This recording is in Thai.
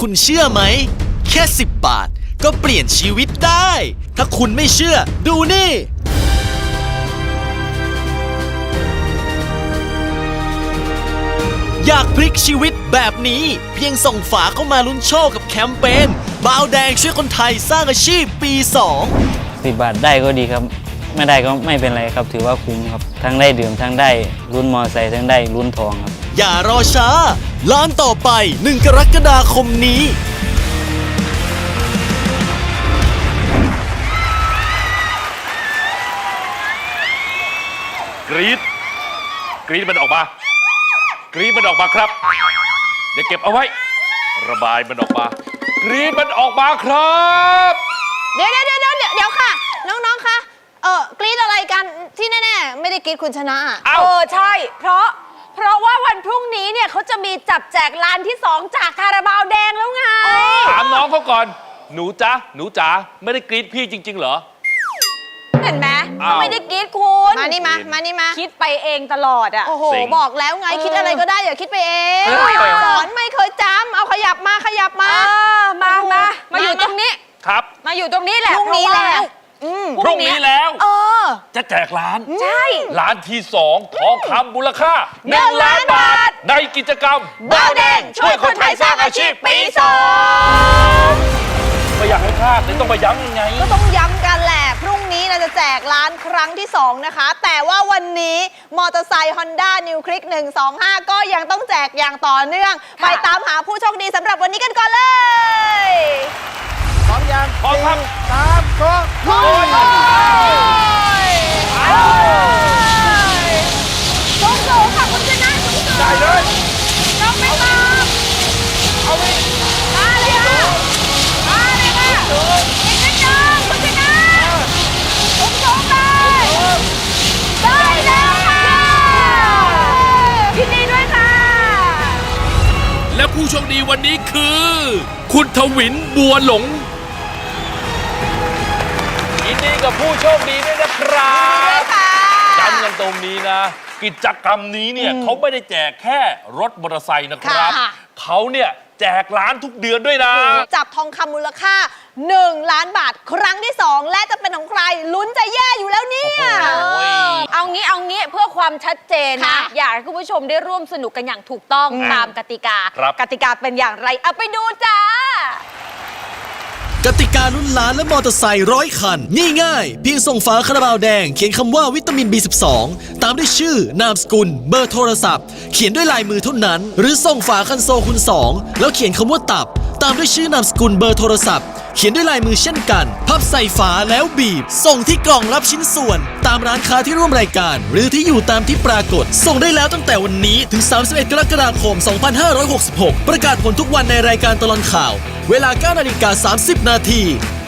คุณเชื่อไหมแค่10 บาทก็เปลี่ยนชีวิตได้ ถ้าคุณไม่เชื่อดูนี่ อยากพลิกชีวิตแบบนี้เพียงส่งฝาเข้ามาลุ้นโชคกับแคมเปญบาวแดงช่วยคนไทยสร้างอาชีพปี 2 10 บาทได้ก็ดีครับไม่ได้ก็ไม่เป็นไรครับถือว่าคุ้มครับทั้งได้ดื่มทั้งได้ลุ้นมอไซค์ทั้งได้ลุ้นทองครับอย่ารอช้าล้านต่อไป1 กรกฎาคมนี้กรี๊ดมันออกมากรี๊ดมันออกมาครับเดี๋ยวเก็บเอาไว้ระบายมันออกมากรี๊ดมันออกมาครับเดี๋ยวค่ะน้องๆคะกรี๊ดอะไรกันที่แน่ๆไม่ได้กรี๊ดคุณชนะอะใช่เพราะว่าวันพรุ่งนี้เนี่ยเขาจะมีจับแจกร้านที่ 2จากคาราบาวแดงแล้วไงถามน้องเขาก่อนหนูจ๋าไม่ได้กรี๊ดพี่จริงๆเหรอเห็นไหมอ้าวไม่ได้กรี๊ดคุณมานี่มาคิดไปเองตลอดอ่ะโอ้โหเซ็งบอกแล้วไงคิดอะไรก็ได้อย่าคิดไปเองเออสอนไม่เคยจำเอาขยับมามาอยู่ตรงนี้ครับมาอยู่ตรงนี้แหละพรุ่งนี้แล้วพรุ่งนี้แล้วอจะแจกร้านใช่ร้านที่ 2 ทองคำมูลค่า1 ล้านบาทในกิจกรรมบาวแดงช่วยคนไทยสร้างอาชีพปีไม่อยากให้พลาดเลยต้องมาย้ำยังไง 2ก็ต้องย้ำกันแหละพรุ่งนี้เราจะแจกร้านครั้งที่ 2 นะคะ แต่ว่าวันนี้มอเตอร์ไซค์ Honda New Click 125 ก็ยังต้องแจกอย่างต่อเนื่อง ไปตามหาผู้โชคดีสำหรับวันนี้กันก่อนเลยพร้อมครับโอ้ยสูงค่ะคุณชนะสูงได้เลยน้องไม่ตามเอาไปมาเลยค่ะอีกนิดนึงคุณชนะสูงเลยได้แล้วค่ะยินดีด้วยค่ะและผู้โชคดีวันนี้คือ คุณทวินบัวหลงยินดีกับผู้โชคดีด้วยนะครับจำกันตรงนี้นะ กิจกรรมนี้เนี่ยเขาไม่ได้แจกแค่รถมอเตอร์ไซค์นะครับค่ะเขาเนี่ยแจกร้านทุกเดือนด้วยนะจับทองคำมูลค่า 1 ล้านบาทครั้งที่ 2 และจะเป็นของใครลุ้นจะแย่อยู่แล้วเนี่ยเอางี้เพื่อความชัดเจนนะค่ะอยากให้คุณผู้ชมได้ร่วมสนุกกันอย่างถูกต้องตามกติกาครับกติกาเป็นอย่างไรเอาไปดูจ้ากติกาลุ้นล้านและมอเตอร์ไซค์100 คันง่ายๆเพียงส่งฝาคาราบาวแดงเขียนคำว่าวิตามิน B12 ตามด้วยชื่อนามสกุลเบอร์โทรศัพท์เขียนด้วยลายมือเท่านั้น หรือส่งฝาคันโซคูณ2แล้วเขียนคำว่าตับตามด้วยชื่อนามสกุลเบอร์โทรศัพท์เขียนด้วยลายมือเช่นกันพับใส่ฝาแล้วบีบส่งที่กล่องรับชิ้นส่วนตามร้านค้าที่ร่วมรายการหรือที่อยู่ตามที่ปรากฏส่งได้แล้วตั้งแต่วันนี้ถึง31 กรกฎาคม 2566 ประกาศผลทุกวันในรายการตลอดข่าวเวลา 9:30 น.